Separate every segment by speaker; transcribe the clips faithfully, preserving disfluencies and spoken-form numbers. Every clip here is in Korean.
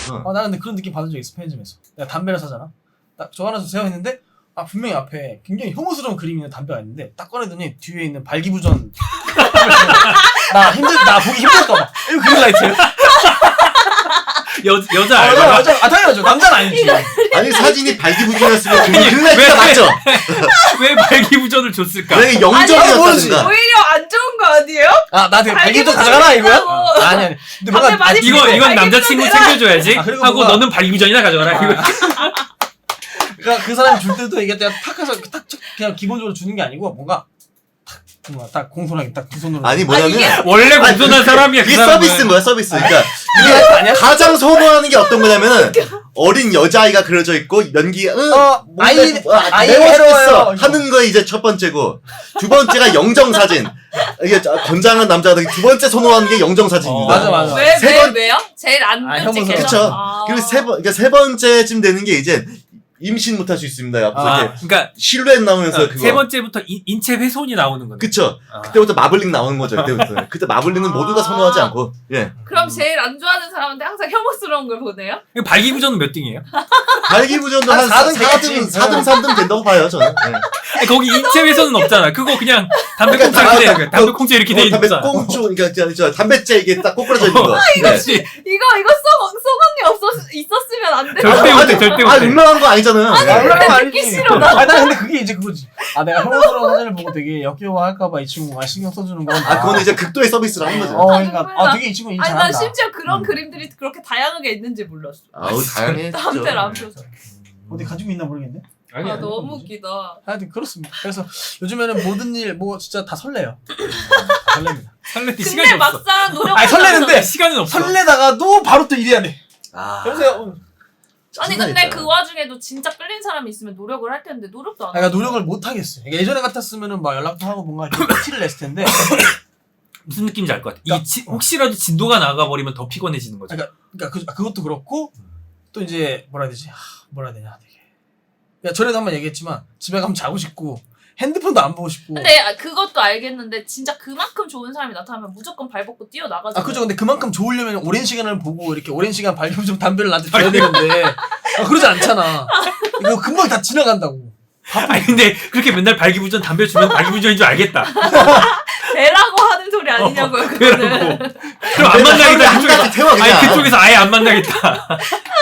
Speaker 1: 응.
Speaker 2: 어, 나는 근데 그런 느낌 받은 적 있어 편의점에서. 내가 담배를 사잖아. 딱 저 하나 세워 있는데 아 분명히 앞에 굉장히 혐오스러운 그림이 있는 담배가 있는데 딱 꺼내더니 뒤에 있는 발기부전 나 힘들 나 보기 힘들까봐 이거 그린라이트예요?
Speaker 3: 여 여자
Speaker 2: 아,
Speaker 3: 알바가
Speaker 2: 여자, 여자, 아 당연하죠. 남자는 아니지.
Speaker 1: 아니 사진이 발기부전이었으면 그린라이트가 맞죠?
Speaker 3: 왜 발기부전을 줬을까?
Speaker 1: 만약에
Speaker 2: 아니,
Speaker 1: 영점이었다든가.
Speaker 4: 오히려 안 좋은 거 아니에요?
Speaker 2: 아 나한테 발기부전
Speaker 4: 발기부전
Speaker 2: 가져가라 이거야?
Speaker 4: 했다고.
Speaker 2: 아, 아니 아니. 근데
Speaker 4: 담배
Speaker 2: 뭔가
Speaker 4: 많이
Speaker 2: 아,
Speaker 3: 이거
Speaker 4: 발기부전
Speaker 3: 이건 남자친구
Speaker 4: 내라.
Speaker 3: 챙겨줘야지
Speaker 2: 아, 그리고
Speaker 3: 하고
Speaker 2: 뭔가-
Speaker 3: 너는 발기부전이나 가져가라. 이거.
Speaker 2: 그러니까 그 사람이 줄 때도 이게 그냥 탁 해서 탁 그냥 기본적으로 주는 게 아니고 뭔가 탁 뭔가 딱 공손하게 딱 두 손으로
Speaker 1: 아니
Speaker 4: 아,
Speaker 1: 뭐냐면
Speaker 4: 이게-
Speaker 3: 원래 공손한 사람이야. 그
Speaker 1: 이게
Speaker 3: 사람은.
Speaker 1: 서비스인 거야 서비스. 그러니까
Speaker 2: 이게
Speaker 1: 이게
Speaker 2: 아니야?
Speaker 1: 가장 선호하는 게 어떤 거냐면은 어린 여자아이가 그려져 있고 연기 응
Speaker 2: 어,
Speaker 1: 뭔데,
Speaker 2: 아이-
Speaker 1: 뭐, 아,
Speaker 2: 아이
Speaker 1: 매워
Speaker 2: 외로워요.
Speaker 1: 죽겠어 하는 거 이제 첫 번째고 두 번째가 영정 사진. 이게 저- 건장한 남자들이 두 번째 선호하는 게 영정 사진입니다.
Speaker 2: 어, 맞아, 맞아.
Speaker 4: 왜,
Speaker 1: 세
Speaker 4: 왜,
Speaker 1: 번-
Speaker 4: 왜요? 제일 안
Speaker 2: 아,
Speaker 4: 끔찍해서?
Speaker 2: 혐오스러워.
Speaker 1: 그렇죠.
Speaker 4: 아.
Speaker 1: 그리고 세 번, 그러니까 세 번째쯤 되는 게 이제 임신 못할 수 있습니다. 앞서
Speaker 2: 아,
Speaker 1: 이렇게
Speaker 3: 그러니까
Speaker 1: 실루엣 나오면서
Speaker 3: 어,
Speaker 1: 그거.
Speaker 3: 세 번째부터 인, 인체 훼손이 나오는 건데.
Speaker 1: 그쵸.
Speaker 3: 아.
Speaker 1: 그때부터 마블링 나오는 거죠. 그때부터. 그때 마블링은
Speaker 4: 아.
Speaker 1: 모두가 선호하지 않고. 예.
Speaker 4: 그럼 제일 안 좋아하는 사람한테 항상 혐오스러운 걸 보내요?
Speaker 3: 이거 발기부전은 몇 등이에요?
Speaker 1: 발기부전도
Speaker 2: 한
Speaker 1: 한
Speaker 2: 사 등
Speaker 1: 사 등,
Speaker 2: 되겠지.
Speaker 1: 사 등, 삼 등 된다고 봐요, 저는. 예.
Speaker 3: 아니, 거기 인체 훼손은 없잖아. 그거 그냥 담배
Speaker 1: 그러니까
Speaker 3: 꽁초 이렇게
Speaker 1: 다-
Speaker 3: 돼. 있는 거야. 담배 꽁초 이렇게 돼
Speaker 1: 어,
Speaker 3: 있는
Speaker 1: 담배
Speaker 3: 거잖아.
Speaker 1: 꽁초, 그러니까 저, 저 담배째 이게 딱 꼬꾸라져 있는 거. 네.
Speaker 3: 그렇지.
Speaker 4: 이거, 이거 썩, 썩언니 없었, 있었으면 안 돼.
Speaker 3: 절대
Speaker 1: 아,
Speaker 3: 못해,
Speaker 1: 아니,
Speaker 3: 절대
Speaker 1: 아,
Speaker 3: 못해.
Speaker 1: 유명한 거 아니잖아요.
Speaker 2: 아,
Speaker 1: 예.
Speaker 2: 올라가면 안
Speaker 4: 듣기
Speaker 2: 되지.
Speaker 4: 싫어, 나.
Speaker 2: 아, 나 근데 그게 이제 그거지. 아, 내가 혐오스러운 사진을 보고 되게 역겨워할까봐 이 친구가 신경 써주는 건.
Speaker 1: 아, 그거는 이제 극도의 서비스를 하는 거죠.
Speaker 2: 어, 그러니까.
Speaker 4: 정말
Speaker 2: 아,
Speaker 4: 나-
Speaker 2: 되게 이 친구 일
Speaker 4: 아니,
Speaker 2: 잘한다.
Speaker 4: 난 심지어 그런
Speaker 2: 음.
Speaker 4: 그림들이 그렇게 다양하게 있는지 몰랐어.
Speaker 1: 아우, 다양해.
Speaker 4: 담배를 안 펴서.
Speaker 2: 어디 가지고 있나 모르겠네.
Speaker 3: 아니,
Speaker 4: 아,
Speaker 3: 아니.
Speaker 4: 너무 웃기다.
Speaker 2: 하여튼 그렇습니다. 그래서 요즘에는 모든 일 뭐 진짜 다 설레요. 다 설렙니다.
Speaker 3: 설레 때
Speaker 4: 근데
Speaker 3: 시간이 없어.
Speaker 4: 막상 노력.
Speaker 2: 아니, 설레는데
Speaker 3: 시간은 없어.
Speaker 2: 설레다가도 바로 또 일해야 돼.
Speaker 1: 아.
Speaker 2: 여보세요.
Speaker 4: 아니
Speaker 1: 장난
Speaker 4: 근데
Speaker 1: 있다.
Speaker 4: 그 와중에도 진짜 끌린 사람이 있으면 노력을 할 텐데 노력도 안.
Speaker 2: 그러니까
Speaker 4: 하고.
Speaker 2: 노력을 못 하겠어요. 그러니까 예전에 같았으면은 막 연락도 하고 뭔가 이렇게 티를 냈을 텐데.
Speaker 3: 무슨 느낌인지 알 것 같아.
Speaker 2: 그러니까-
Speaker 3: 이 지, 혹시라도 진도가 나가버리면 더 피곤해지는 거죠.
Speaker 2: 그러니까, 그러니까 그, 그것도 그렇고 또 이제 뭐라 해야 되지? 하, 뭐라 해야 되냐 되게. 야 전에도 한번 얘기했지만 집에 가면 자고 싶고 핸드폰도 안 보고 싶고.
Speaker 4: 근데 아, 그것도 알겠는데 진짜 그만큼 좋은 사람이 나타나면 무조건 발벗고 뛰어 나가죠.
Speaker 2: 아 그죠. 근데 그만큼 좋으려면 오랜 시간을 보고 이렇게 오랜 시간 발견 좀 담배를 나한테 줘야 되는데 아, 그러지 않잖아. 이거 금방 다 지나간다고.
Speaker 3: 아니 근데 그렇게 맨날 발기부전 담배 주면 발기부전인 줄 알겠다.
Speaker 4: 배라고 하는 소리 아니냐고요.
Speaker 3: 어,
Speaker 4: 그거는.
Speaker 3: 그래라고. 그럼 안 만나겠다.
Speaker 1: 한
Speaker 3: 그쪽에서.
Speaker 1: 가지 태워, 그냥.
Speaker 3: 아니 그쪽에서 아예 안 만나겠다.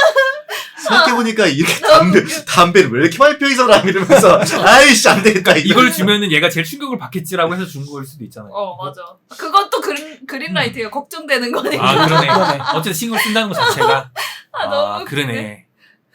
Speaker 1: 생각해보니까 이렇게 담배, 담배를 왜 이렇게 많이 펴, 이 사람 이러면서. 아이씨, 안 되겠다. 이거.
Speaker 3: 이걸 주면은 얘가 제일 충격을 받겠지라고 해서 준 거일 수도 있잖아요.
Speaker 4: 어 맞아. 그것도 그린 그린라이트가 걱정되는 거니까.
Speaker 3: 아 그러네.
Speaker 2: 그러네.
Speaker 3: 어쨌든 신경 쓴다는 것 자체가.
Speaker 4: 아, 너무 웃기네.
Speaker 3: 그러네.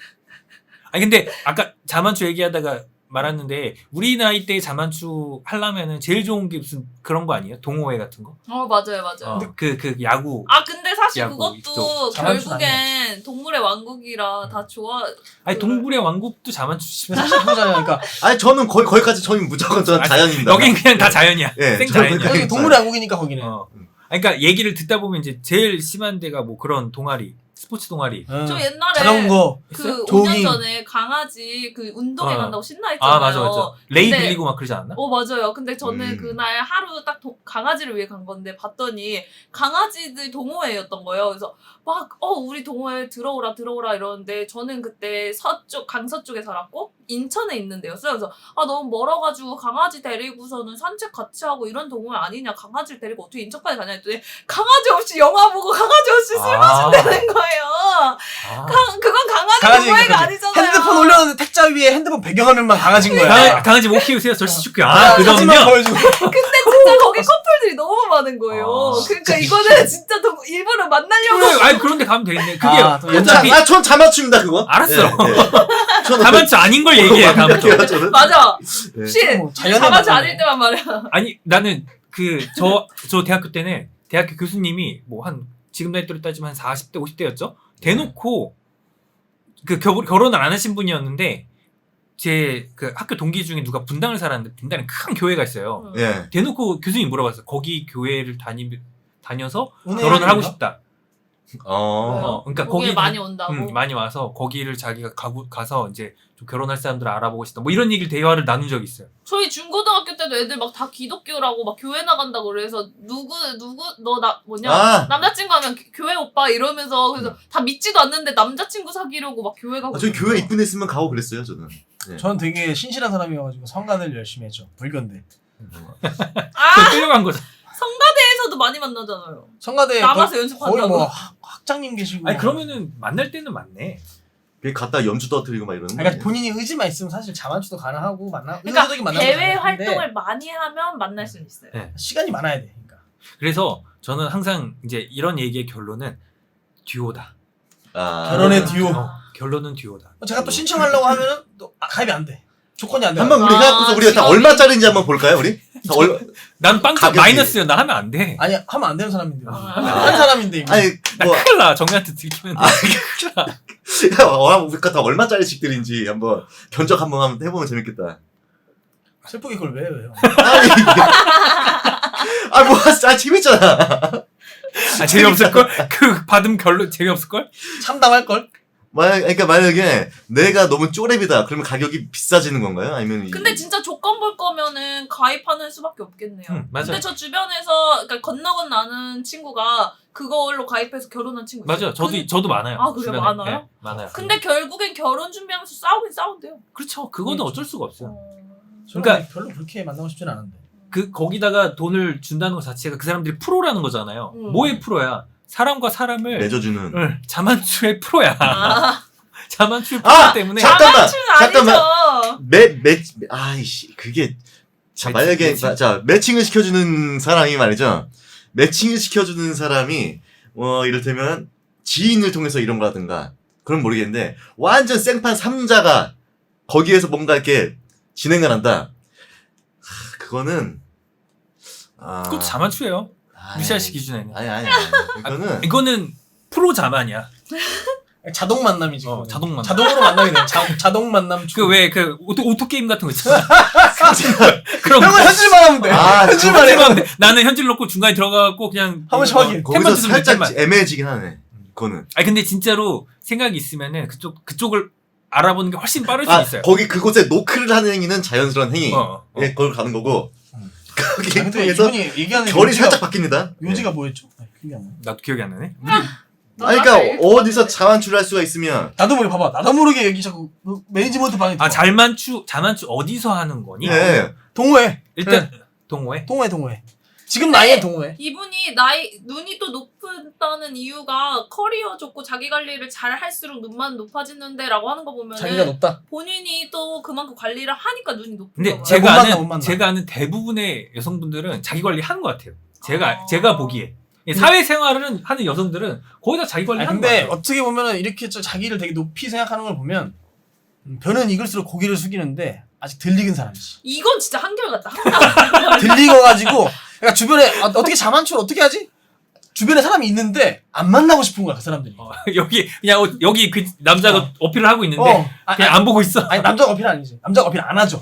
Speaker 3: 아니 근데 아까 자만추 얘기하다가 말았는데 우리 나이 때 자만추 하려면은 제일 좋은 게 무슨 그런 거 아니에요? 동호회 같은 거?
Speaker 4: 어 맞아요 맞아요.
Speaker 3: 어, 그, 그 야구.
Speaker 4: 아 근데 사실
Speaker 3: 야구
Speaker 4: 그것도
Speaker 3: 이쪽.
Speaker 2: 자만추는
Speaker 4: 결국엔 동물의 왕국이라 다 좋아.
Speaker 3: 아니 동물의 왕국도 자만추 씨.
Speaker 2: 사실 그거잖아요. 그러니까
Speaker 1: 아니, 저는 거의, 거기까지 저는 무조건 저는
Speaker 3: 아,
Speaker 1: 자연입니다.
Speaker 3: 여긴 그냥 다 자연이야.
Speaker 1: 예,
Speaker 3: 생
Speaker 1: 저는
Speaker 3: 자연이야.
Speaker 1: 그냥-
Speaker 2: 여기 동물의 왕국이니까 거기는.
Speaker 3: 어. 아니, 그러니까 얘기를 듣다 보면 이제 제일 심한 데가 뭐 그런 동아리, 스포츠 동아리.
Speaker 2: 어.
Speaker 4: 저 옛날에
Speaker 2: 자전거.
Speaker 4: 그
Speaker 2: 조깅.
Speaker 4: 오 년 전에 강아지 그 운동회
Speaker 3: 어.
Speaker 4: 간다고 신나 했잖아요.
Speaker 3: 아 맞아 맞아. 레이
Speaker 4: 근데-
Speaker 3: 빌리고 막 그러지 않았나?
Speaker 4: 어 맞아요. 근데 저는
Speaker 1: 음.
Speaker 4: 그날 하루 딱 도- 강아지를 위해 간 건데 봤더니 강아지들 동호회였던 거예요. 그래서 막 어 우리 동호회 들어오라 들어오라 이러는데 저는 그때 서쪽 강서 쪽에 살았고 인천에 있는 데였어요. 그래서 아 너무 멀어가지고 강아지 데리고서는 산책 같이 하고 이런 동호회 아니냐. 강아지를 데리고 어떻게 인천까지 가냐 했더니 강아지 없이 영화 보고 강아지 없이 술
Speaker 3: 아.
Speaker 4: 마신다는 거예요.
Speaker 3: 아.
Speaker 4: 강, 그건 강아지,
Speaker 2: 강아지
Speaker 4: 동호회가
Speaker 2: 그거지.
Speaker 4: 아니잖아요.
Speaker 2: 핸드폰 올려놓는데 택자 위에 핸드폰 배경화면만 강아지인 거야.
Speaker 3: 강아, 강아지 못 키우세요? 절시 축구. 아,
Speaker 2: 아, 사진만
Speaker 3: 그러면요?
Speaker 2: 보여주고.
Speaker 4: 근데 진짜 거기 커플들이 너무 많은 거예요.
Speaker 3: 아,
Speaker 4: 그러니까 이거는 진짜 동, 일부러 만나려고.
Speaker 3: 그래, 아니 그런데 가면 되겠네. 그게
Speaker 2: 아, 또
Speaker 3: 어차피
Speaker 1: 아, 전 자만추입니다, 그거.
Speaker 3: 알았어.
Speaker 1: 예, 예. 저는
Speaker 3: 자만추 아닌 걸 얘기해 다음부터.
Speaker 1: 완벽해요, 저는.
Speaker 4: 맞아.
Speaker 1: 예.
Speaker 4: 씨,
Speaker 2: 뭐 자연의
Speaker 4: 자만추
Speaker 2: 맛이네.
Speaker 4: 아닐 때만 말이야.
Speaker 3: 아니 나는 그 저 저 대학교 때는 대학교 교수님이 뭐 한 지금 나이대로 따지면 한 사십 대 오십 대였죠. 대놓고 그 겨, 결혼을 안 하신 분이었는데 제 그 학교 동기 중에 누가 분당을 살았는데 분당에 큰 교회가 있어요.
Speaker 1: 예.
Speaker 3: 대놓고 교수님이 물어봤어요. 거기 교회를 다니 다녀서
Speaker 2: 은혜
Speaker 3: 결혼을 하고
Speaker 2: 아닌가?
Speaker 3: 싶다.
Speaker 1: 어.
Speaker 3: 어, 그러니까
Speaker 4: 거기에
Speaker 3: 거기
Speaker 4: 많이 온다고.
Speaker 3: 음, 많이 와서 거기를 자기가 가고 가서 이제 좀 결혼할 사람들을 알아보고 싶다. 뭐 이런 얘기를 대화를 나눈 적이 있어요.
Speaker 4: 저희 중고등학교 때도 애들 막 다 기독교라고 막 교회 나간다고 그래서 누구 누구 너 나 뭐냐
Speaker 1: 아.
Speaker 4: 남자친구 하면 교회 오빠 이러면서 그래서 다 믿지도 않는데 남자친구 사귀려고 막 교회 가고.
Speaker 1: 아, 저희 교회 입군 했으면 가고 그랬어요 저는. 네.
Speaker 2: 저는 되게 신실한 사람이어가지고 성가대를 열심히 했죠. 불교인데.
Speaker 4: 아
Speaker 3: 끌려간 거죠.
Speaker 4: 성가대에서도 많이 만나잖아요.
Speaker 2: 성가대
Speaker 4: 남아서
Speaker 2: 거의,
Speaker 4: 연습한다고.
Speaker 2: 거의 뭐 학- 학장님 계시고.
Speaker 3: 아니 그러면은 만날 때는 맞네.
Speaker 1: 그게 갔다 연주 떠뜨리고 막 이러는 거
Speaker 2: 그러니까
Speaker 1: 아니에요?
Speaker 2: 본인이 의지만 있으면 사실 자만추도 가능하고 만나.
Speaker 4: 그러니까
Speaker 2: 의도적인 만남도
Speaker 4: 대외
Speaker 2: 가능한데
Speaker 4: 활동을 많이 하면 만날 수는 있어요.
Speaker 3: 네.
Speaker 2: 시간이 많아야 돼. 그러니까.
Speaker 3: 그래서 저는 항상 이제 이런 얘기의 결론은 듀오다.
Speaker 1: 아.
Speaker 2: 결혼의 듀오.
Speaker 3: 어, 결론은 듀오다.
Speaker 2: 제가 또 신청하려고 하면은 또 아, 가입이 안 돼. 조건이 안 돼.
Speaker 1: 한번 우리
Speaker 4: 아,
Speaker 1: 해갖고서 우리가 다
Speaker 4: 직업이-
Speaker 1: 얼마짜리인지 한번 볼까요 우리? 다 얼...
Speaker 3: 난 빵점
Speaker 1: 가격이-
Speaker 3: 마이너스요. 나 하면 안 돼.
Speaker 2: 아니 하면 안 되는 사람인데요.
Speaker 4: 아.
Speaker 2: 한 사람인데 이거.
Speaker 1: 아니
Speaker 3: 나
Speaker 1: 뭐
Speaker 3: 큰일 나. 정리한테 들키면 돼.
Speaker 1: 아,
Speaker 3: 큰일 나.
Speaker 1: 어, 우리가 다 얼마짜리씩들인지 한번 견적 한번 한번 해보면 재밌겠다.
Speaker 2: 슬프게 그걸 왜 해요?
Speaker 1: 아니 아뭐 아, 재밌잖아.
Speaker 3: 아, 재미없을걸? 그 받으면 결론 재미없을걸?
Speaker 2: 참담할 걸?
Speaker 1: 만약 그러니까 만약에 내가 너무 쪼렙이다 그러면 가격이 비싸지는 건가요? 아니면 이-
Speaker 4: 근데 진짜 조건 볼 거면은 가입하는 수밖에 없겠네요.
Speaker 3: 응, 맞아요.
Speaker 4: 근데 저 주변에서 그러니까 건너 건너 아는 친구가 그걸로 가입해서 결혼한 친구 있어요.
Speaker 3: 맞아요. 저도
Speaker 4: 근-
Speaker 3: 저도 많아요.
Speaker 4: 아, 그래요?
Speaker 3: 주변에.
Speaker 4: 많아요?
Speaker 3: 네, 많아요.
Speaker 4: 근데 결국엔 결혼 준비하면서 싸우긴 싸운대요.
Speaker 3: 그렇죠. 그거는 어쩔 수가 없어요.
Speaker 4: 어...
Speaker 3: 그러니까-
Speaker 2: 그러니까 별로 그렇게 만나고 싶진 않은데.
Speaker 3: 그 거기다가 돈을 준다는 것 자체가 그 사람들이 프로라는 거잖아요.
Speaker 4: 음.
Speaker 3: 뭐의 프로야? 사람과 사람을
Speaker 1: 맺어주는.
Speaker 3: 응, 자만추의 프로야.
Speaker 4: 아,
Speaker 3: 자만추의 프로
Speaker 1: 아!
Speaker 3: 때문에
Speaker 1: 자- 잠깐만,
Speaker 4: 자만추는 아니죠.
Speaker 1: 매매 아이씨 그게 자
Speaker 3: 매칭,
Speaker 1: 만약에
Speaker 3: 매칭?
Speaker 1: 자 매칭을 시켜주는 사람이 말이죠. 매칭을 시켜주는 사람이 어 이를테면 지인을 통해서 이런 거라든가 그럼 모르겠는데 완전 생판 삼자가 거기에서 뭔가 이렇게 진행을 한다. 하, 그거는 아
Speaker 3: 그것도 자만추예요.
Speaker 1: 아이,
Speaker 3: 무시할 시 기준에는.
Speaker 1: 아니 아니 아니 이거는
Speaker 3: 이거는 프로 자만이야.
Speaker 2: 자동 만남이지.
Speaker 3: 어,
Speaker 2: 그거는.
Speaker 3: 자동 만남.
Speaker 2: 자동으로 만나게 돼. 자, 자동 만남.
Speaker 3: 그 왜 그 오토, 오토 게임 같은 거 있잖아. 그런
Speaker 2: 형은 현질만 하면 돼.
Speaker 1: 아,
Speaker 2: 현질만 해.
Speaker 3: 현질만 돼. 나는 현질 넣고 중간에 들어가갖고 그냥
Speaker 2: 한 번씩
Speaker 3: 어,
Speaker 2: 확인.
Speaker 1: 거기서
Speaker 3: 템만 쓰면
Speaker 1: 살짝
Speaker 3: 템만.
Speaker 1: 애매해지긴 하네. 그거는
Speaker 3: 아니 근데 진짜로 생각이 있으면은 그쪽 그쪽을 알아보는 게 훨씬 빠를 수
Speaker 1: 아
Speaker 3: 있어요.
Speaker 1: 거기 그곳에 노크를 하는 행위는 자연스러운 행위.
Speaker 3: 어, 어.
Speaker 1: 예, 그걸 가는 거고
Speaker 2: 음.
Speaker 1: 거기
Speaker 2: 아, 근데
Speaker 1: 통해서
Speaker 2: 이분이 얘기하는
Speaker 1: 결이
Speaker 2: 요지가-
Speaker 1: 살짝 바뀝니다.
Speaker 2: 요지가 뭐였죠? 네, 기억이 안 나.
Speaker 3: 나도 기억이 안 나네. 우리
Speaker 1: 아니 그러니까 어디서 자만추를 할 수가 있으면
Speaker 2: 나도 모르게 봐봐. 나도 모르게 여기 자꾸 그 매니지먼트 방에
Speaker 3: 아
Speaker 2: 들어와.
Speaker 3: 잘만추 자만추 어디서 하는 거니?
Speaker 1: 예.
Speaker 2: 동호회.
Speaker 3: 일단 동호회.
Speaker 2: 동호회 동호회. 지금 나이엔 동호회.
Speaker 4: 이분이 나이 눈이 또 높다는 이유가 커리어 좋고 자기 관리를 잘 할수록 눈만 높아지는데라고 하는 거 보면은
Speaker 2: 자기가 높다.
Speaker 4: 본인이 또 그만큼 관리를 하니까 눈이 높은
Speaker 3: 근데
Speaker 4: 거예요.
Speaker 3: 제가
Speaker 2: 못 만나,
Speaker 3: 아는
Speaker 2: 못 만나.
Speaker 3: 제가 아는 대부분의 여성분들은 자기 관리 하는 것 같아요. 제가
Speaker 4: 아.
Speaker 3: 제가 보기에 사회생활을 하는 여성들은 거의 다 자기 관리
Speaker 2: 아니,
Speaker 3: 하는 것
Speaker 2: 근데
Speaker 3: 같아요.
Speaker 2: 어떻게 보면은 이렇게 저 자기를 되게 높이 생각하는 걸 보면 음, 벼는 익을수록 고개를 숙이는데 아직 덜 익은 사람이지.
Speaker 4: 이건 진짜 한결같다. 항상
Speaker 2: 덜 익어가지고 그러니까 주변에 아, 어떻게 자만추를 어떻게 하지? 주변에 사람이 있는데 안 만나고 싶은 거야 그 사람들이.
Speaker 3: 어, 여기 그냥 어, 여기 그 남자가
Speaker 2: 어.
Speaker 3: 어필을 하고 있는데
Speaker 2: 어, 아,
Speaker 3: 그냥
Speaker 2: 아,
Speaker 3: 안 보고 있어.
Speaker 2: 아니 남자가 어필 아니지. 남자가 어필 안 하죠.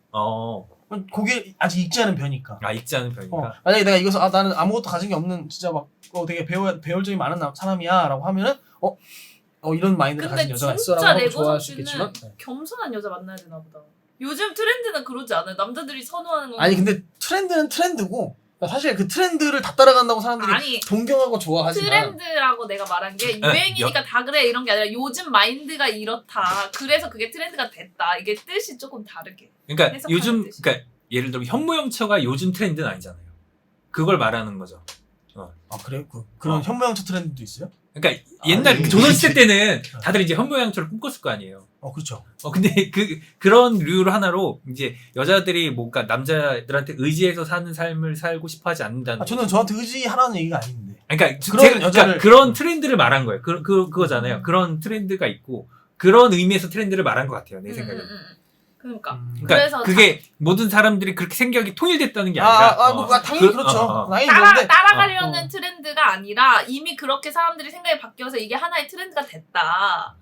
Speaker 3: 어,
Speaker 2: 고개 아직 익지 않은 벼니까.
Speaker 3: 아 읽지 않은 편이니까.
Speaker 2: 어, 만약에 내가 이것을 아 나는 아무것도 가진 게 없는 진짜 막 어, 되게 배워 배울 점이 많은 나- 사람이야라고 하면은 어, 어 이런 마인드를
Speaker 4: 근데
Speaker 2: 가진 여자가
Speaker 4: 진짜
Speaker 2: 있어라고 하고
Speaker 4: 레고
Speaker 2: 좋아할 수
Speaker 4: 선수는
Speaker 2: 있겠지만 네.
Speaker 4: 겸손한 여자 만나야 되나 보다. 요즘 트렌드는 그러지 않아요. 남자들이 선호하는 건
Speaker 2: 아니 근데 트렌드는 트렌드고 사실 그 트렌드를 다 따라간다고 사람들이
Speaker 4: 아니,
Speaker 2: 동경하고 좋아하지만
Speaker 4: 트렌드라고 내가 말한 게 유행이니까 다 그래 이런 게 아니라 요즘 마인드가 이렇다. 그래서 그게 트렌드가 됐다. 이게 뜻이 조금 다르게.
Speaker 3: 그러니까
Speaker 4: 해석하는
Speaker 3: 요즘
Speaker 4: 뜻이.
Speaker 3: 그러니까 예를 들어 현모양처가 요즘 트렌드는 아니잖아요. 그걸 말하는 거죠.
Speaker 2: 아 그래? 그, 그런
Speaker 3: 어.
Speaker 2: 현모양처 트렌드도 있어요?
Speaker 3: 그러니까 옛날
Speaker 1: 아니,
Speaker 3: 조선시대 때는 다들 이제 현모양처를 꿈꿨을 거 아니에요.
Speaker 2: 어 그렇죠.
Speaker 3: 어 근데 그 그런 류로 하나로 이제 여자들이 뭔가 남자들한테 의지해서 사는 삶을 살고 싶어하지 않는다는.
Speaker 2: 아, 저는 저한테 의지하라는 얘기가 아닌데.
Speaker 3: 그러니까
Speaker 2: 그런
Speaker 3: 제가,
Speaker 2: 여자를-
Speaker 3: 그러니까 그런 트렌드를 말한 거예요. 그, 그 그거잖아요.
Speaker 2: 음.
Speaker 3: 그런 트렌드가 있고 그런 의미에서 트렌드를 말한 것 같아요. 내
Speaker 4: 음,
Speaker 3: 생각에.
Speaker 4: 음, 음. 그러니까.
Speaker 2: 음.
Speaker 3: 그러니까
Speaker 4: 그래서
Speaker 3: 그게 모든 사람들이 그렇게 생각이 통일됐다는 게
Speaker 2: 아,
Speaker 3: 아니라.
Speaker 2: 아, 아, 뭐,
Speaker 3: 어,
Speaker 2: 아, 당연히
Speaker 3: 그-
Speaker 2: 그, 렇죠
Speaker 3: 어, 어.
Speaker 2: 당연히
Speaker 4: 따라
Speaker 2: 그런데
Speaker 4: 따라가려는
Speaker 2: 어.
Speaker 4: 트렌드가 아니라 이미 그렇게 사람들이 생각이 바뀌어서 이게 하나의 트렌드가 됐다.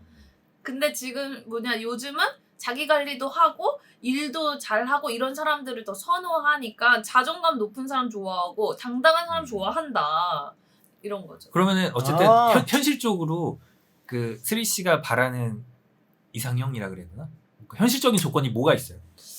Speaker 4: 근데 지금 뭐냐 요즘은 자기 관리도 하고 일도 잘하고 이런 사람들을 더 선호하니까 자존감 높은 사람 좋아하고 당당한 사람 좋아한다. 이런 거죠.
Speaker 3: 그러면은 어쨌든
Speaker 2: 아.
Speaker 3: 현, 현실적으로 그 스리 씨가 바라는 이상형이라 그래야 되나? 그 현실적인 조건이 뭐가 있어요?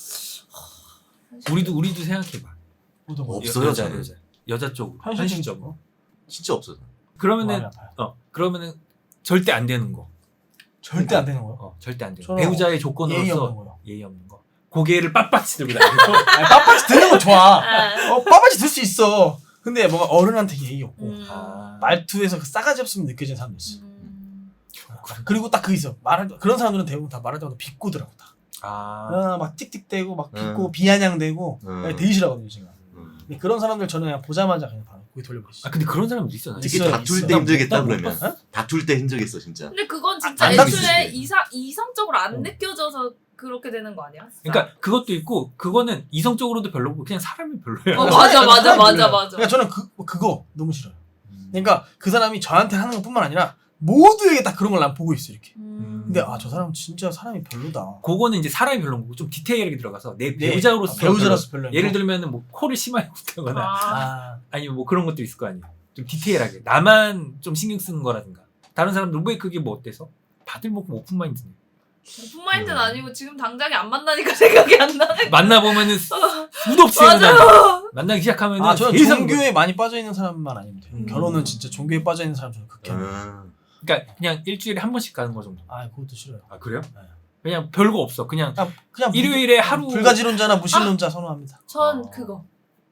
Speaker 3: 우리도 우리도 생각해봐.
Speaker 2: 어떤 거?
Speaker 1: 없어요,
Speaker 3: 여자
Speaker 1: 저는.
Speaker 3: 여자 여자 쪽으로
Speaker 2: 현실적인
Speaker 3: 현실적으로.
Speaker 1: 진짜 없어.
Speaker 2: 마음이
Speaker 3: 그러면은
Speaker 2: 아파요.
Speaker 3: 어 그러면은 절대 안 되는 거.
Speaker 2: 절대 안 되는 거요.
Speaker 3: 어 절대 안 되는 거.
Speaker 2: 저는
Speaker 3: 배우자의
Speaker 2: 예의
Speaker 3: 조건으로서
Speaker 2: 없는 거요.
Speaker 3: 예의 없는 거. 고개를 빳빳이 들고 다니고.
Speaker 2: 아니, 빳빳이 드는 건 좋아.
Speaker 4: 아,
Speaker 2: 어, 빳빳이 들 수 있어. 근데 뭔가 어른한테 예의 없고
Speaker 4: 음.
Speaker 3: 아.
Speaker 2: 말투에서 그 싸가지 없으면 느껴지는 사람도 있어.
Speaker 4: 음.
Speaker 2: 그리고 딱 그 있어. 말할 때- 그런 사람들은 대부분 다 말할 때마다 비꼬더라고 다.
Speaker 3: 아.
Speaker 2: 아, 막 틱틱대고 막 비꼬
Speaker 1: 음.
Speaker 2: 비아냥대고
Speaker 1: 음.
Speaker 2: 되게 싫어하거든요 제가.
Speaker 1: 음.
Speaker 2: 근데 그런 사람들 저는 그냥 보자마자 그냥 바로 고개 돌려버리지.
Speaker 3: 아 근데 그런 사람도 있잖아.
Speaker 2: 있어요,
Speaker 1: 특히 다툴
Speaker 2: 있어요.
Speaker 1: 때 힘들겠다
Speaker 3: 나 못
Speaker 1: 그러면.
Speaker 2: 봤어?
Speaker 1: 다툴 때 힘들겠어 진짜.
Speaker 4: 근데 그건 진짜
Speaker 2: 안
Speaker 4: 애초에
Speaker 1: 당기지.
Speaker 4: 이상 이성적으로 안
Speaker 2: 어.
Speaker 4: 느껴져서 그렇게 되는 거 아니야?
Speaker 3: 그러니까 그것도 있고 그거는 이성적으로도 별로고 그냥 사람이 별로야.
Speaker 4: 어, 맞아, 맞아,
Speaker 2: 사람이
Speaker 4: 맞아,
Speaker 2: 별로야.
Speaker 4: 맞아.
Speaker 2: 그러니까 저는 그 그거 너무 싫어요. 그러니까 그 사람이 저한테 하는 것뿐만 아니라 모두에게 딱 그런 걸 난 보고 있어 이렇게.
Speaker 4: 음.
Speaker 2: 근데 아 저 사람 진짜 사람이 별로다.
Speaker 3: 그거는 이제 사람이 별로인 거고 좀 디테일하게 들어가서 내
Speaker 2: 네.
Speaker 3: 배우자로서
Speaker 2: 아, 배우자로서 별로.
Speaker 3: 별로. 예를 들면은 뭐 코를 심하게 굽다거나
Speaker 4: 아,
Speaker 2: 아
Speaker 3: 아니면 뭐 그런 것도 있을 거 아니에요. 좀 디테일하게 나만 좀 신경 쓰는 거라든가 다른 사람들 왜 그게 뭐 어때서? 다들 뭐 오픈 마인드네.
Speaker 4: 오픈 마인드는
Speaker 1: 음.
Speaker 4: 아니고 지금 당장에 안 만나니까 생각이 안 나네.
Speaker 3: 만나 보면은 수도 없이
Speaker 4: 맞아.
Speaker 3: 생각나. 만나기 시작하면은
Speaker 2: 아, 저는
Speaker 3: 계속
Speaker 2: 종교에 많이 빠져 있는 사람만 아니면 돼요.
Speaker 3: 음.
Speaker 2: 결혼은 진짜 종교에 빠져 있는 사람 저는 극혐.
Speaker 1: 음.
Speaker 3: 그러니까 그냥 일주일에 한 번씩 가는 거 정도.
Speaker 2: 아 그것도 싫어요.
Speaker 3: 아 그래요?
Speaker 2: 네.
Speaker 3: 그냥 별거 없어. 그냥
Speaker 2: 그냥 그냥
Speaker 3: 일요일에 하루
Speaker 2: 불가지론자나 무신론자 선호합니다.
Speaker 4: 전
Speaker 3: 어.
Speaker 4: 그거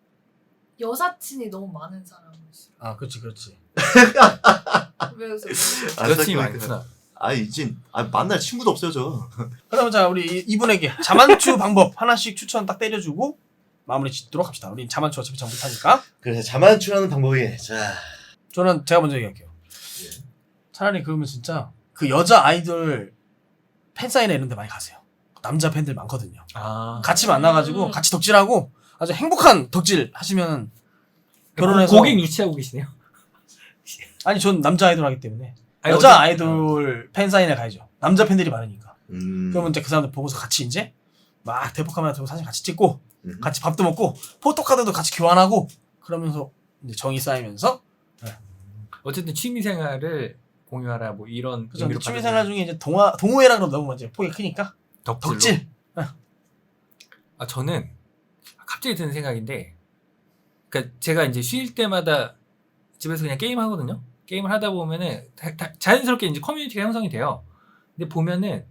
Speaker 4: 여사친이 너무 많은 사람을 싫어.
Speaker 2: 아 그렇지 그렇지.
Speaker 4: 왜 그래서
Speaker 1: 아,
Speaker 3: 여친이
Speaker 1: 생각해보니까.
Speaker 3: 많구나.
Speaker 1: 아 이제 아, 만날 친구도 없어요 저.
Speaker 2: 그러면 자 우리 이- 이분에게 자만추 방법 하나씩 추천 딱 때려주고 마무리 짓도록 합시다. 우리 자만추 어차피 잘 못하니까.
Speaker 1: 그래서 자만추라는 방법이 자
Speaker 2: 저는 제가 먼저 얘기할게요.
Speaker 1: 예.
Speaker 2: 차라리 그러면 진짜 그 여자 아이돌 팬사인회 이런 데 많이 가세요. 남자 팬들 많거든요.
Speaker 3: 아
Speaker 2: 같이 만나가지고
Speaker 4: 음.
Speaker 2: 같이 덕질하고 아주 행복한 덕질 하시면 결혼해서
Speaker 3: 고객 유치하고 계시네요.
Speaker 2: 아니 전 남자 아이돌 하기 때문에
Speaker 3: 아니,
Speaker 2: 여자
Speaker 3: 어쨌든-
Speaker 2: 아이돌 팬사인회 가야죠. 남자 팬들이 많으니까.
Speaker 1: 음.
Speaker 2: 그러면 이제 그 사람들 보고서 같이 이제 막 대포 카메라 들고 사진 같이 찍고
Speaker 1: 음.
Speaker 2: 같이 밥도 먹고 포토카드도 같이 교환하고 그러면서 이제 정이 쌓이면서
Speaker 3: 어쨌든 취미 생활을 공유하라 뭐 이런
Speaker 2: 그죠.
Speaker 3: 의미로
Speaker 2: 취미생활 중에 이제 동화 동호회라 그러면 너무 이제 폭이 크니까
Speaker 3: 덕질로.
Speaker 2: 덕질.
Speaker 3: 아 저는 갑자기 드는 생각인데, 그러니까 제가 이제 쉴 때마다 집에서 그냥 게임 하거든요. 게임을 하다 보면은 다- 다- 자연스럽게 이제 커뮤니티가 형성이 돼요. 근데 보면은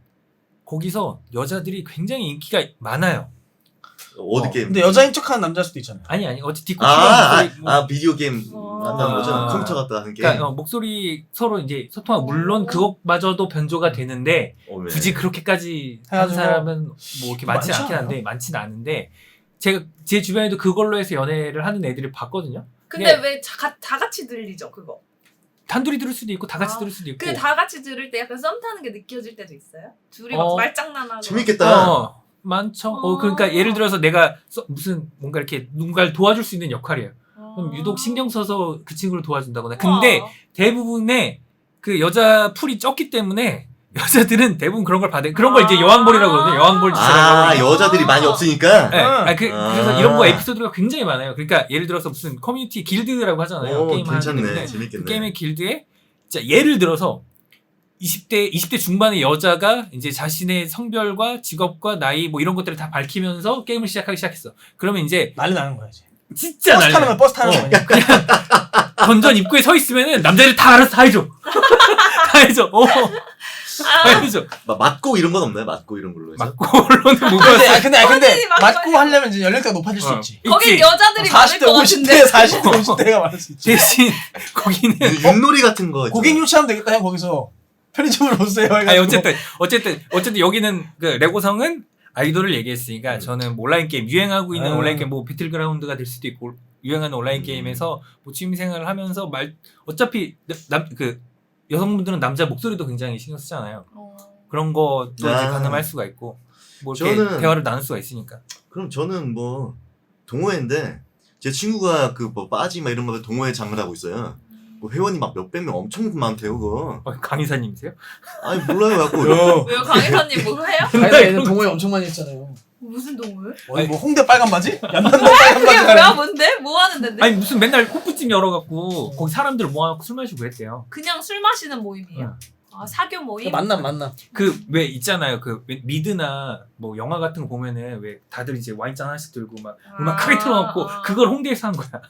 Speaker 3: 거기서 여자들이 굉장히 인기가 많아요.
Speaker 1: 어디
Speaker 2: 어,
Speaker 1: 게임?
Speaker 2: 근데 여자인 척하는 남자일 수도 있잖아요.
Speaker 3: 아니 아니 어찌 디코
Speaker 1: 아, 아,
Speaker 3: 목소리 뭐-
Speaker 1: 아 비디오 게임
Speaker 4: 어.
Speaker 1: 만나는 거죠?
Speaker 3: 아.
Speaker 1: 컴퓨터 갖다 하는 게임.
Speaker 3: 그러니까 어, 목소리 서로 이제 소통하고 물론
Speaker 4: 어.
Speaker 3: 그것마저도 변조가 되는데
Speaker 1: 어, 네.
Speaker 3: 굳이 그렇게까지 하는
Speaker 2: 해가지고
Speaker 3: 사람은 뭐 이렇게 많지
Speaker 2: 많지
Speaker 3: 않긴
Speaker 2: 않아요?
Speaker 3: 한데 많지는 않은데 제가 제 주변에도 그걸로 해서 연애를 하는 애들을 봤거든요.
Speaker 4: 근데
Speaker 3: 네.
Speaker 4: 왜 다 같이 들리죠 그거?
Speaker 3: 단둘이 들을 수도 있고 다 같이
Speaker 4: 아,
Speaker 3: 들을 수도 있고.
Speaker 4: 그 다 같이 들을 때 약간 썸 타는 게 느껴질 때도 있어요? 둘이 막
Speaker 3: 어.
Speaker 4: 말장난하고
Speaker 1: 재밌겠다.
Speaker 3: 어, 많죠. 어,
Speaker 4: 어.
Speaker 3: 그러니까 예를 들어서 내가 써- 무슨 뭔가 이렇게 누군가를 도와줄 수 있는 역할이에요.
Speaker 4: 어.
Speaker 3: 그럼 유독 신경 써서 그 친구를 도와준다거나. 근데
Speaker 4: 우와.
Speaker 3: 대부분의 그 여자 풀이 적기 때문에 여자들은 대부분 그런 걸 받아요. 그런 걸 이제
Speaker 4: 아.
Speaker 3: 여왕벌이라고 그러거든요. 여왕벌 짓을
Speaker 1: 아
Speaker 3: 하고.
Speaker 1: 여자들이 많이 없으니까.
Speaker 3: 네. 아, 그,
Speaker 1: 아.
Speaker 3: 그래서 이런 거 에피소드가 굉장히 많아요. 그러니까 예를 들어서 무슨 커뮤니티 길드라고 하잖아요.
Speaker 1: 오,
Speaker 3: 게임 하는
Speaker 1: 괜찮네.
Speaker 3: 데인데
Speaker 1: 재밌겠네.
Speaker 3: 그 게임의 길드에 자, 예를 들어서 이십 대 이십 대 중반의 여자가 이제 자신의 성별과 직업과 나이 뭐 이런 것들을 다 밝히면서 게임을 시작하기 시작했어. 그러면 이제
Speaker 2: 난리 나는 거야 이제.
Speaker 3: 진짜
Speaker 2: 버스 타는
Speaker 3: 난리.
Speaker 2: 거야 버스 타는
Speaker 3: 어.
Speaker 2: 거야.
Speaker 3: 건전 입구에 서 있으면은 남자들 다 알아서 다 해줘. 다 해줘. 어, 다
Speaker 4: 아,
Speaker 3: 해줘.
Speaker 1: 막 맞고 이런 건 없나요? 맞고 이런 걸로 해서.
Speaker 3: 맞고로는 뭐가
Speaker 2: 근데 아 근데 아 근데
Speaker 4: 언니 막
Speaker 2: 맞고
Speaker 4: 말이야.
Speaker 2: 하려면 이제 연령대가 높아질 수
Speaker 3: 어.
Speaker 2: 있지.
Speaker 4: 거기
Speaker 3: 있지.
Speaker 4: 여자들이 많을
Speaker 2: 사십 대
Speaker 4: 것
Speaker 2: 오십
Speaker 4: 같은데
Speaker 2: 대 사십 대 오십 대가 많을 수 있지.
Speaker 3: 대신 거기는
Speaker 1: 윷놀이 같은 거.
Speaker 2: 고객 유치하면 되겠다 형 거기서 편의점으로 오세요. 해가지고.
Speaker 3: 아니 어쨌든 어쨌든 어쨌든 여기는 그 레고성은 아이돌을 얘기했으니까
Speaker 1: 음.
Speaker 3: 저는 뭐 온라인 게임 유행하고 있는
Speaker 2: 음.
Speaker 3: 온라인 게임 뭐 배틀그라운드가 될 수도 있고 유행하는 온라인
Speaker 1: 음.
Speaker 3: 게임에서 뭐 취미 생활을 하면서 말 어차피 남 그 여성분들은 남자 목소리도 굉장히 신경 쓰잖아요.
Speaker 4: 어.
Speaker 3: 그런 것도 이제
Speaker 1: 아.
Speaker 3: 가늠할 수가 있고 뭐 이렇게
Speaker 1: 저는-
Speaker 3: 대화를 나눌 수가 있으니까.
Speaker 1: 그럼 저는 뭐 동호회인데 제 친구가 그 뭐 빠지 막 이런 거 동호회 장을 하고 있어요. 뭐 회원이 막 몇백 명 엄청 많대요 그거.
Speaker 3: 어, 강의사님이세요?
Speaker 1: 아니 몰라요 갖고.
Speaker 4: 왜요? 강혜사님 뭐 해요?
Speaker 2: 아니 얘는 동호회 엄청 많이 했잖아요.
Speaker 4: 무슨 동물?
Speaker 2: 어디 뭐 홍대 빨간 바지? 연남동 빨간
Speaker 4: 그게
Speaker 2: 바지.
Speaker 4: 뭐야 뭔데? 뭐 하는 데인데?
Speaker 3: 아니 무슨 맨날 호프집 열어갖고 거기 사람들 모아놓고 술 마시고 했대요.
Speaker 4: 그냥 술 마시는 모임이야. 아 사교 모임?
Speaker 2: 만남 만남.
Speaker 3: 그 왜 있잖아요. 그 왜 미드나 뭐 영화 같은 거 보면은 왜 다들 이제 와인잔 하나씩 들고 막 음악 크게 틀어놓고
Speaker 4: 아.
Speaker 3: 그걸 홍대에서 한 거야.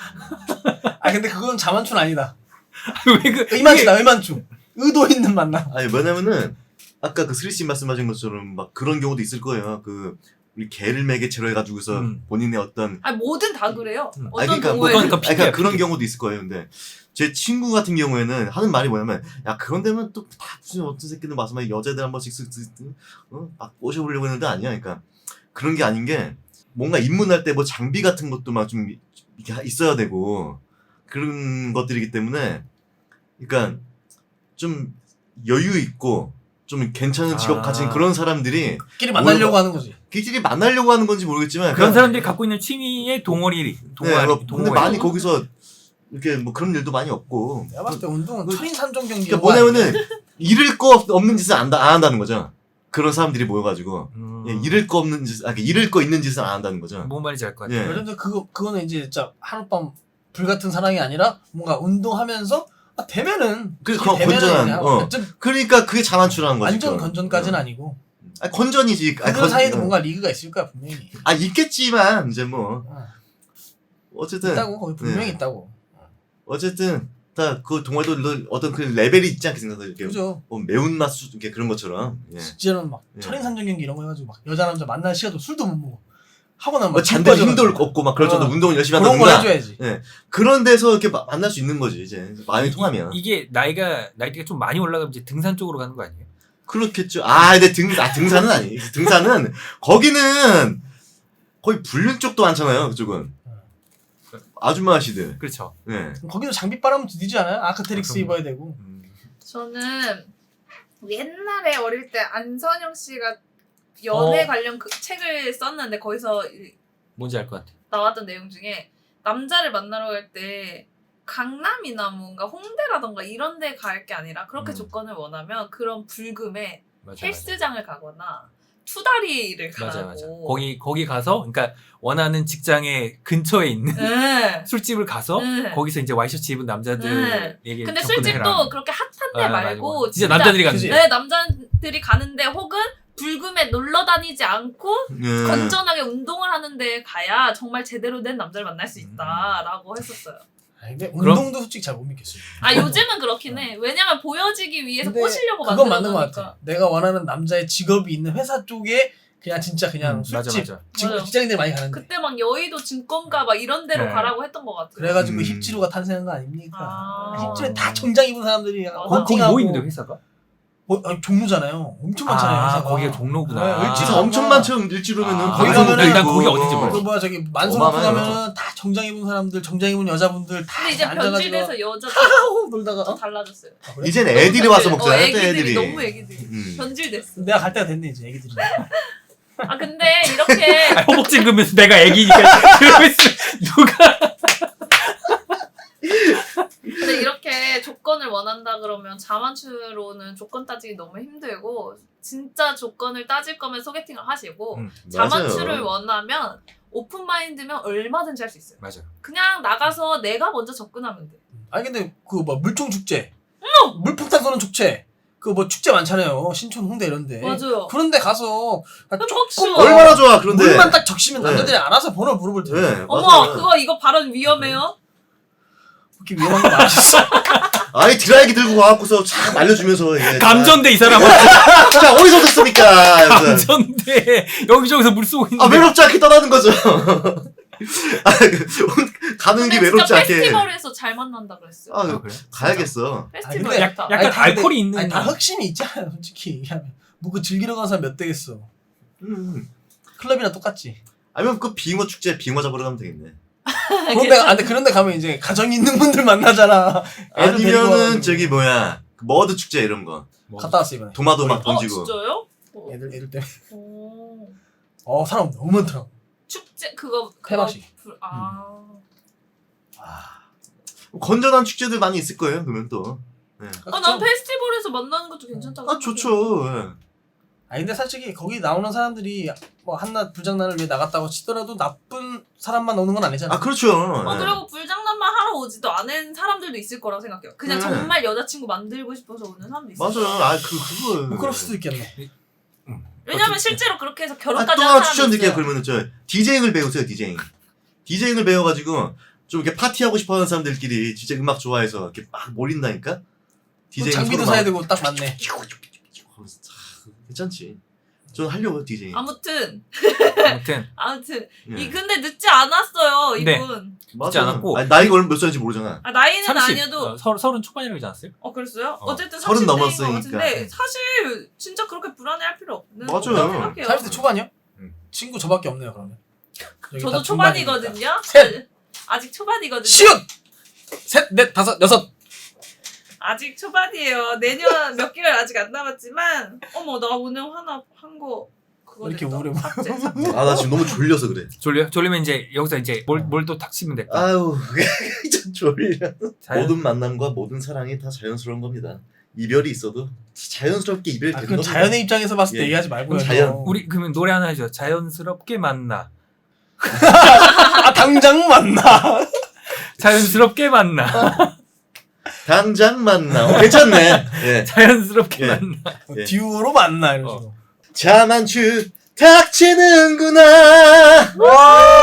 Speaker 2: 아 근데 그건 자만추는 아니다.
Speaker 3: 왜 그
Speaker 2: 의만추다 의만추. 의도 있는 만남.
Speaker 1: 아니 뭐냐면은 아까 그 스리씨 말씀하신 것처럼 막 그런 경우도 있을 거예요. 그 우리 개를 매개체로 해가지고서
Speaker 3: 음.
Speaker 1: 본인의 어떤
Speaker 4: 아니 뭐든 다 그래요.
Speaker 3: 음.
Speaker 4: 어떤
Speaker 1: 아니, 그러니까 뭐
Speaker 4: 동호회든.
Speaker 3: 그러니까
Speaker 1: 아니, 그러니까
Speaker 3: 핑계야,
Speaker 1: 그런
Speaker 3: 핑계.
Speaker 1: 경우도 있을 거예요. 근데 제 친구 같은 경우에는 하는 말이 뭐냐면 야 그런 데면 또 다 무슨 어떤 새끼들 와서 막 여자들 한 번씩 쓱쓱 어? 막 꼬셔보려고 했는데 아니야. 그러니까 그런 게 아닌 게 뭔가 입문할 때 뭐 장비 같은 것도 막 좀 있어야 되고 그런 것들이기 때문에 그러니까 좀 여유 있고 좀 괜찮은 직업
Speaker 3: 아.
Speaker 1: 가진 그런 사람들이
Speaker 2: 끼리 만나려고 하는 거지.
Speaker 1: 끼리 만나려고 하는 건지 모르겠지만
Speaker 3: 그런
Speaker 1: 그냥-
Speaker 3: 사람들이 갖고 있는 취미의 동아리,
Speaker 1: 네,
Speaker 3: 동아리,
Speaker 1: 뭐, 근데
Speaker 3: 동호회.
Speaker 1: 많이 거기서 이렇게 뭐 그런 일도 많이 없고
Speaker 2: 내가 봤을 때 운동은
Speaker 1: 그-
Speaker 2: 천인삼종 경기.
Speaker 1: 그러니까 뭐냐면은 잃을 거 없- 없는 짓을 안, 안 한다는 거죠. 그런 사람들이 모여가지고
Speaker 3: 음.
Speaker 1: 예, 잃을 거 없는 짓, 아, 이렇게 잃을 거 있는 짓을 안 한다는 거죠.
Speaker 3: 뭔 말인지 알 것 같아요.
Speaker 1: 예.
Speaker 2: 예를 들어 그거 그거는 이제 진짜 하룻밤 불같은 사랑이 아니라 뭔가 운동하면서 아, 되면은
Speaker 1: 그
Speaker 2: 이게
Speaker 1: 그거
Speaker 2: 되면은
Speaker 1: 건전한,
Speaker 2: 그냥
Speaker 1: 어.
Speaker 2: 완전,
Speaker 1: 그러니까 그게 자만추라는 거지.
Speaker 2: 완전
Speaker 1: 그건.
Speaker 2: 건전까지는
Speaker 1: 어.
Speaker 2: 아니고
Speaker 1: 아, 건전이지. 아,
Speaker 2: 그들
Speaker 1: 건-
Speaker 2: 사이에도
Speaker 1: 어.
Speaker 2: 뭔가 리그가 있을 거야 분명히.
Speaker 1: 아 있겠지만 이제 뭐
Speaker 2: 어.
Speaker 1: 어쨌든
Speaker 2: 있다고 거기 분명히
Speaker 1: 네.
Speaker 2: 있다고.
Speaker 1: 어쨌든 다 그 동아리도 어떤 그 레벨이 있지 않겠습니까? 이렇게
Speaker 2: 그죠.
Speaker 1: 뭐 매운맛 수 이렇게 그런 것처럼. 예.
Speaker 2: 진짜는 막
Speaker 1: 예.
Speaker 2: 천인삼종 경기 이런 거 해가지고 막 여자 남자 만날 시간도 술도 못 먹어. 하고 나면
Speaker 1: 뭐
Speaker 2: 막
Speaker 1: 잔대
Speaker 2: 술
Speaker 1: 힘도
Speaker 2: 빠져가지고.
Speaker 1: 없고 막 그럴 정도
Speaker 2: 어.
Speaker 1: 운동을 열심히
Speaker 2: 그런 걸
Speaker 1: 한다든가
Speaker 2: 해줘야지.
Speaker 1: 그런 데서 이렇게 마- 만날 수 있는 거지 이제 마음이 통하면.
Speaker 3: 이, 게 나이가 나이대가 좀 많이 올라가면 이제 등산 쪽으로 가는 거 아니에요?
Speaker 1: 그렇겠죠. 아, 근데 등, 아, 등산은 아니. 등산은, 거기는 거의 불륜 쪽도 많잖아요, 그쪽은. 아줌마 아씨들.
Speaker 3: 그렇죠.
Speaker 1: 네.
Speaker 2: 거기도 장비 빨아면 뒤지지 않아요? 아크테릭스
Speaker 3: 아, 그럼요.
Speaker 2: 입어야 되고.
Speaker 3: 음.
Speaker 4: 저는 옛날에 어릴 때 안선영 씨가 연애
Speaker 3: 어.
Speaker 4: 관련 그 책을 썼는데 거기서 이-
Speaker 3: 뭔지 알 것 같아.
Speaker 4: 나왔던 내용 중에 남자를 만나러 갈 때 강남이나 뭔가 홍대라던가 이런 데 갈 게 아니라 그렇게
Speaker 3: 음.
Speaker 4: 조건을 원하면 그런 불금에
Speaker 3: 맞아, 맞아.
Speaker 4: 헬스장을 가거나 투다리를
Speaker 3: 맞아
Speaker 4: 가라고.
Speaker 3: 맞아. 거기 거기 가서 그러니까 원하는 직장의 근처에 있는
Speaker 4: 네.
Speaker 3: 술집을 가서
Speaker 4: 네.
Speaker 3: 거기서 이제 와이셔츠 입은 남자들에게
Speaker 4: 근데
Speaker 3: 접근을
Speaker 4: 술집도
Speaker 3: 해라.
Speaker 4: 그렇게 핫한데
Speaker 3: 아, 맞아,
Speaker 4: 말고
Speaker 3: 맞아. 진짜 남자들이 가는
Speaker 2: 그지?
Speaker 3: 데.
Speaker 4: 네, 남자들이 가는데 혹은 불금에 놀러 다니지 않고
Speaker 1: 네.
Speaker 4: 건전하게 운동을 하는데 가야 정말 제대로 된 남자를 만날 수
Speaker 3: 음.
Speaker 4: 있다라고 했었어요.
Speaker 2: 아, 근데
Speaker 3: 그럼-
Speaker 2: 운동도 솔직히 잘 못 믿겠어요.
Speaker 4: 아 요즘은 그렇긴 해. 왜냐면 보여지기 위해서
Speaker 2: 근데
Speaker 4: 꼬시려고
Speaker 2: 그건
Speaker 4: 만들어
Speaker 2: 맞는 것
Speaker 4: 놓으니까.
Speaker 2: 같아. 내가 원하는 남자의 직업이 있는 회사 쪽에 그냥 진짜 그냥
Speaker 3: 음, 맞아
Speaker 2: 술집
Speaker 3: 맞아.
Speaker 2: 직-
Speaker 4: 맞아요.
Speaker 2: 직장인들이 많이 가는데.
Speaker 4: 그때 막 여의도 증권가 막 이런 데로
Speaker 3: 네.
Speaker 4: 가라고 했던 것 같아요.
Speaker 2: 그래가지고
Speaker 1: 음.
Speaker 2: 힙지로가 탄생한 거 아닙니까?
Speaker 4: 아.
Speaker 2: 힙지로에 다 정장 입은 사람들이
Speaker 4: 맞아.
Speaker 3: 거, 거기
Speaker 2: 헌팅하고
Speaker 3: 뭐 있는데 회사가?
Speaker 2: 뭐, 아니, 종로잖아요. 엄청 많잖아요.
Speaker 3: 아
Speaker 2: 회사가.
Speaker 3: 거기가 종로구나.
Speaker 2: 네, 일지도
Speaker 1: 진짜 엄청 많죠, 일주로면은.
Speaker 3: 아,
Speaker 2: 거기
Speaker 1: 방송국도
Speaker 2: 가면은
Speaker 3: 난
Speaker 1: 있고.
Speaker 3: 거기 어딘지 몰라.
Speaker 2: 그 뭐야 저기 만성
Speaker 1: 어마어마해요.
Speaker 2: 가면은 다 정장 입은 사람들, 정장 입은 여자분들 다
Speaker 4: 근데 이제
Speaker 2: 앉아가지고
Speaker 4: 변질돼서 여자도
Speaker 2: 하하호 놀다가
Speaker 4: 좀
Speaker 2: 어?
Speaker 4: 달라졌어요.
Speaker 2: 아, 그래?
Speaker 1: 이젠 애들이 와서
Speaker 4: 어,
Speaker 1: 먹잖아요, 또
Speaker 4: 애기들이
Speaker 1: 애들이.
Speaker 4: 너무 애기들이
Speaker 1: 음.
Speaker 4: 변질됐어.
Speaker 2: 내가 갈 때가 됐네 이제 애기들이.
Speaker 4: 아 근데 이렇게
Speaker 3: 아, 허벅 찡그면서 내가 애기니까 그러고 있으면 누가
Speaker 4: 근데 이렇게 조건을 원한다 그러면 자만추로는 조건 따지기 너무 힘들고 진짜 조건을 따질 거면 소개팅을 하시고
Speaker 3: 음,
Speaker 4: 자만추를
Speaker 1: 맞아요.
Speaker 4: 원하면 오픈 마인드면 얼마든지 할 수 있어요.
Speaker 3: 맞아.
Speaker 4: 그냥 나가서 내가 먼저 접근하면 돼.
Speaker 2: 아니 근데 그 뭐 물총 축제, 물폭탄 쏘는 축제, 그 뭐 축제 많잖아요. 신촌, 홍대 이런데.
Speaker 4: 맞아요.
Speaker 2: 그런데 가서 아,
Speaker 4: 그럼
Speaker 2: 조금
Speaker 4: 혹시
Speaker 2: 뭐
Speaker 1: 얼마나 좋아, 그런데.
Speaker 2: 물만 딱 적시면
Speaker 1: 네.
Speaker 2: 남자들이 알아서 번호 물어볼 텐데.
Speaker 1: 네,
Speaker 4: 어머
Speaker 1: 맞아요.
Speaker 4: 그거 이거 발언 위험해요.
Speaker 2: 그렇게 위험한 거 많으셨어.
Speaker 1: 아이, 드라이기 들고 와갖고서 촥 알려주면서. 이게
Speaker 3: 감전돼 이 사람은.
Speaker 1: 자, 어디서 듣습니까? 그래서
Speaker 3: 감전돼. 여기저기서 물 쏘고 있는데.
Speaker 1: 아, 외롭지 않게 떠나는 거죠. 아, 그, 가는 게
Speaker 4: 근데
Speaker 1: 외롭지
Speaker 4: 진짜
Speaker 1: 않게.
Speaker 4: 페스티벌에서 잘 만난다 그랬어요.
Speaker 1: 아,
Speaker 3: 아, 그래?
Speaker 1: 가야겠어.
Speaker 4: 페스티벌
Speaker 2: 근데
Speaker 4: 좋다.
Speaker 3: 약간
Speaker 2: 다 근데-
Speaker 3: 알코올이 있는.
Speaker 2: 아니 다 흑심이 있잖아요 솔직히 얘기하면. 뭐 그 즐기러 가는 사람 몇 대겠어.
Speaker 1: 음.
Speaker 2: 클럽이나 똑같지.
Speaker 1: 아니면 그 빙어 축제 빙어 잡으러 가면 되겠네.
Speaker 2: 그런데 아, 근데 그런데 가면 이제 가정이 있는 분들 만나잖아. 애들 데리고
Speaker 1: 아니면은
Speaker 2: 와가지고.
Speaker 1: 저기 뭐야 그 머드 축제 이런 거
Speaker 3: 뭐,
Speaker 2: 갔다 왔어 이번에.
Speaker 1: 도마도 막
Speaker 4: 어
Speaker 1: 던지고.
Speaker 4: 진짜요? 어.
Speaker 2: 애들 애들 때문에.
Speaker 4: 오.
Speaker 2: 어 사람 너무 많더라고.
Speaker 4: 축제 그거 그거
Speaker 2: 폐막식.
Speaker 4: 불- 아.
Speaker 2: 아
Speaker 1: 건전한 축제들 많이 있을 거예요. 그러면 또. 네.
Speaker 4: 아, 난 페스티벌에서 만나는 것도 괜찮다고
Speaker 1: 아 좋죠. 예.
Speaker 2: 아 근데 솔직히 거기 나오는 사람들이 뭐 한낱 불장난을 위해 나갔다고 치더라도 나쁜 사람만 오는 건 아니잖아.
Speaker 1: 아 그렇죠.
Speaker 4: 어,
Speaker 1: 예.
Speaker 4: 그리고 불장난만 하러 오지도 않은 사람들도 있을 거라고 생각해요. 그냥
Speaker 1: 네.
Speaker 4: 정말 여자친구 만들고 싶어서 오는 사람도 있어요.
Speaker 1: 맞아요. 아 그 그거.
Speaker 2: 뭐 그럴 수도 있겠네.
Speaker 4: 왜냐면 실제로 그렇게 해서
Speaker 1: 아,
Speaker 4: 결혼까지
Speaker 1: 또
Speaker 4: 한
Speaker 1: 하나
Speaker 4: 사람이
Speaker 1: 추천드릴게요.
Speaker 4: 있어요.
Speaker 1: 그러면은 저 디제잉을 배우세요. 디제잉. 디제잉을 배워가지고 좀 이렇게 파티하고 싶어하는 사람들끼리 진짜 음악 좋아해서 이렇게 막 몰린다니까.
Speaker 2: 또 장비도 사야 되고 딱 맞네.
Speaker 1: 괜찮지. 전 하려고 디제잉.
Speaker 4: 아무튼
Speaker 3: 아무튼
Speaker 4: 아무튼
Speaker 1: 예.
Speaker 4: 이 근데 늦지 않았어요
Speaker 3: 네.
Speaker 4: 이분.
Speaker 1: 맞아.
Speaker 3: 않았고.
Speaker 1: 아니, 나이가 얼마 몇 살인지 모르잖아.
Speaker 4: 아, 나이는
Speaker 3: 삼십
Speaker 4: 아니어도
Speaker 3: 어, 서, 서른 초반이라고 하지 않았어요?
Speaker 4: 어 그랬어요?
Speaker 1: 어,
Speaker 4: 어, 쨌든
Speaker 1: 서른
Speaker 4: 삼십 대인 것
Speaker 1: 넘었으니까.
Speaker 4: 같은데 사실 진짜 그렇게 불안해할 필요 없는
Speaker 1: 맞아요.
Speaker 4: 거라고 생각해요.
Speaker 2: 사십 대 초반이요?
Speaker 1: 음.
Speaker 2: 친구 저밖에 없네요 그러면. 여기
Speaker 4: 저도
Speaker 2: 다 중반이니까.
Speaker 4: 초반이거든요.
Speaker 2: 셋!
Speaker 4: 아직 초반이거든요.
Speaker 2: 시읒! 셋, 넷, 다섯, 여섯.
Speaker 4: 아직 초반이에요. 내년 몇 개월 아직 안 남았지만 어머 나 오늘 하나 한 거 그거
Speaker 2: 왜 이렇게
Speaker 4: 됐다.
Speaker 2: 우울해 보여?
Speaker 4: 삭제, 삭제.
Speaker 1: 아 나 지금 너무 졸려서 그래.
Speaker 3: 졸려? 졸리면 이제 여기서 이제 뭘 뭘 또 닥치면 됐다.
Speaker 1: 아유 진짜 졸려.
Speaker 3: 자연-
Speaker 1: 모든 만남과 모든 사랑이 다 자연스러운 겁니다. 이별이 있어도 자연스럽게 이별이
Speaker 2: 아,
Speaker 1: 되는
Speaker 2: 그건
Speaker 1: 겁니다.
Speaker 2: 자연의 입장에서 봤을 때
Speaker 1: 예.
Speaker 2: 얘기하지 말고요.
Speaker 1: 그건 자연.
Speaker 2: 너.
Speaker 3: 우리 그러면 노래 하나 해줘. 자연스럽게 만나.
Speaker 2: 아 당장 만나.
Speaker 3: 자연스럽게 만나.
Speaker 1: 당장 만나. 어, 괜찮네. 예.
Speaker 3: 자연스럽게
Speaker 1: 예.
Speaker 3: 만나.
Speaker 1: 예.
Speaker 2: 듀오로 만나 이런
Speaker 3: 어.
Speaker 2: 식으로.
Speaker 1: 자만추 닥치는구나.
Speaker 2: 와.